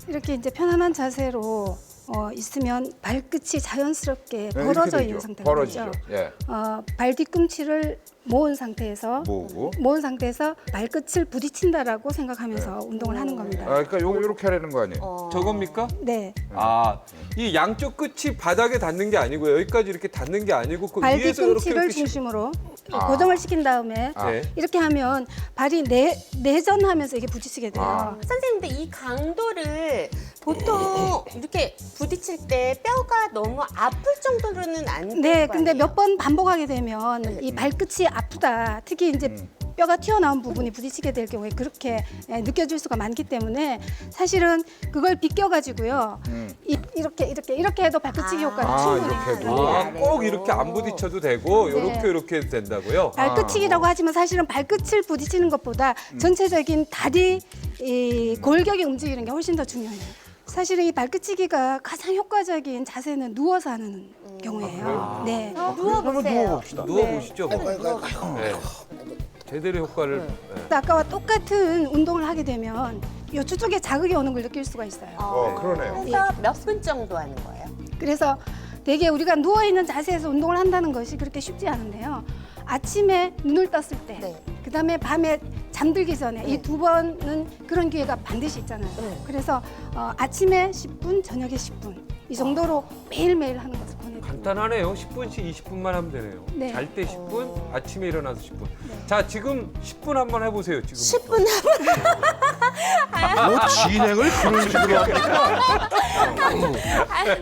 이렇게 이제 편안한 자세로 있으면 발끝이 자연스럽게 네, 벌어져 이렇게 있는 되죠. 상태가 벌어지죠. 되죠. 예. 발 뒤꿈치를 모은 상태에서 모으고. 발끝을 부딪힌다라고 생각하면서 운동을 하는 겁니다. 아, 그러니까 요렇게 하라는 거 아니에요? 저겁니까? 네, 아, 이 양쪽 끝이 바닥에 닿는 게 아니고요. 여기까지 이렇게 닿는 게 아니고 그 발 위에서 이렇게 뒤꿈치를 중심으로 고정을 시킨 다음에 이렇게 하면 발이 내전하면서 이게 부딪히게 돼요. 선생님들 이 강도를 보통 이렇게 부딪힐 때 뼈가 너무 아플 정도로는 안 될 네, 거 근데 아니에요? 몇 번 반복하게 되면 이 발끝이 아프다. 특히 이제 뼈가 튀어나온 부분이 부딪히게 될 경우에 그렇게 느껴질 수가 많기 때문에 사실은 그걸 비껴가지고요. 이렇게 해도 발끝치기 효과는 충분히 이렇게 해도. 있어요. 아, 꼭 이렇게 안 부딪혀도 되고 이렇게 해도 된다고요? 발끝치기라고 하지만 사실은 발끝을 부딪히는 것보다 전체적인 다리 이 골격이 움직이는 게 훨씬 더 중요해요. 사실은 이 발끝치기가 가장 효과적인 자세는 누워서 하는 경우예요. 네. 누워보세요. 누워보시죠. 네. 제대로 효과를. 네. 아까와 똑같은 운동을 하게 되면 요 주쪽에 자극이 오는 걸 느낄 수가 있어요. 그러네요. 그래서 몇 분 정도 하는 거예요? 그래서 되게 우리가 누워있는 자세에서 운동을 한다는 것이 그렇게 쉽지 않은데요. 아침에 눈을 떴을 때, 네. 그다음에 밤에 잠들기 전에 이 두 번은 그런 기회가 반드시 있잖아요. 그래서 아침에 10분, 저녁에 10분 이 정도로 매일매일 하는 것을 권해드립니다. 간단하네요. 10분씩 20분만 하면 되네요. 네. 잘 때 10분, 아침에 일어나서 10분. 자, 지금 10분 한번 해보세요. 지금 10분 뭐 진행을 그런 식으로 합니까?